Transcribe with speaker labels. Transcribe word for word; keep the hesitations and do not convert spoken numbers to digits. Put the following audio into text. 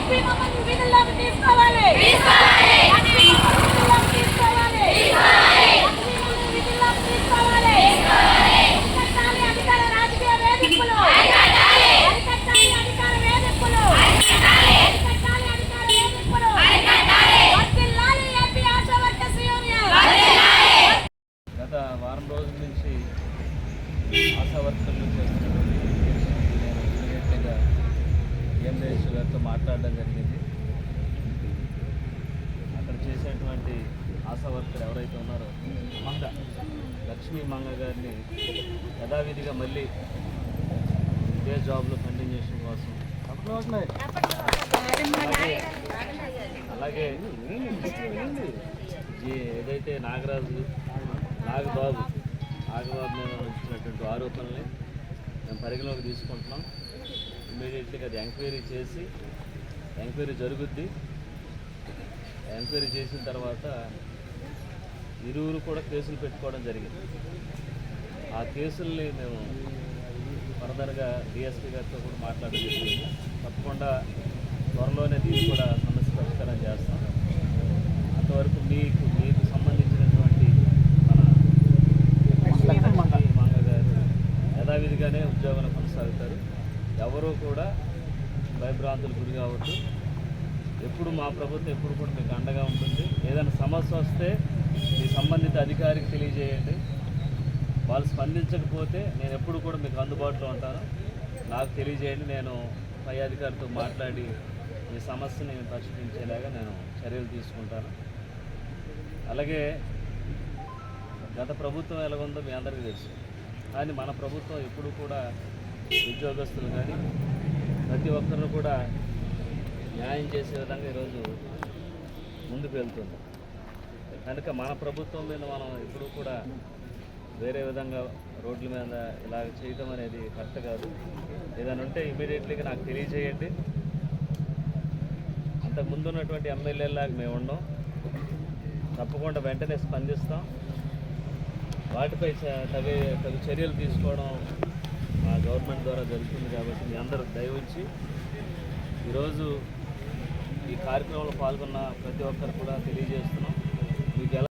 Speaker 1: గత వారం రోజుల నుంచి ఆశా వర్కర్లు చేస్తున్నటువంటి నేను ఇమీడియట్గా ఎంఏఎస్ గారితో మాట్లాడడం జరిగింది. అక్కడ చేసేటువంటి ఆశా వర్కర్ ఎవరైతే ఉన్నారో మంగ లక్ష్మీ మంగ గారిని యథావిధిగా మళ్ళీ ఇదే జాబ్లో కంటిన్యూషన్ కోసం అలాగే ఏదైతే నాగరాజు నాగబాబు నాగబాబు మీద వచ్చినటువంటి ఆరోపణల్ని మేము పరిగణలోకి తీసుకుంటున్నాం. ఇమీడియట్గా అది ఎంక్వైరీ చేసి ఎంక్వైరీ జరుగుద్ది. ఎంక్వైరీ చేసిన తర్వాత ఇరువురు కూడా కేసులు పెట్టుకోవడం జరిగింది. ఆ కేసుల్ని మేము ఫర్దర్గా డిఎస్పీ గారితో కూడా మాట్లాడడం జరిగింది. తప్పకుండా త్వరలోనే దీన్ని కూడా సమస్య పరిష్కారం చేస్తాం. అంతవరకు మీకు మీకు సంబంధించినటువంటి మన మంగ గారు యథావిధిగానే ఉద్యోగాలు కొనసాగుతారు. ఎవరూ కూడా భయభ్రాంతులు గురి కావద్దు. ఎప్పుడు మా ప్రభుత్వం ఎప్పుడు కూడా మీకు అండగా ఉంటుంది. ఏదైనా సమస్య వస్తే మీ సంబంధిత అధికారికి తెలియజేయండి. వాళ్ళు స్పందించకపోతే నేను ఎప్పుడు కూడా మీకు అందుబాటులో ఉంటాను. నాకు తెలియజేయండి. నేను పై అధికారితో మాట్లాడి మీ సమస్యని పరిష్కరించేలాగా నేను చర్యలు తీసుకుంటాను. అలాగే గత ప్రభుత్వం ఎలాగుందో మీ అందరికీ తెలుసు. కానీ మన ప్రభుత్వం ఎప్పుడు కూడా ఉద్యోగస్తులు కానీ ప్రతి ఒక్కరిని కూడా న్యాయం చేసే విధంగా ఈరోజు ముందుకు వెళ్తుంది. కనుక మన ప్రభుత్వం మీద మనం ఎప్పుడూ కూడా వేరే విధంగా రోడ్ల మీద ఇలా చేయటం అనేది కరెక్ట్ కాదు. ఏదైనా ఉంటే ఇమీడియట్లీగా నాకు తెలియజేయండి. అంతకు ముందు ఉన్నటువంటి ఎమ్మెల్యేలాగా మేము ఉండం. తప్పకుండా వెంటనే స్పందిస్తాం. వాటిపై తగు తగు చర్యలు తీసుకోవడం మా గవర్నమెంట్ ద్వారా జరుగుతుంది. కాబట్టి మీ అందరూ దయవుంచి ఈరోజు ఈ కార్యక్రమంలో పాల్గొన్న ప్రతి ఒక్కరు కూడా తెలియజేస్తున్నాం. మీకు ఎలా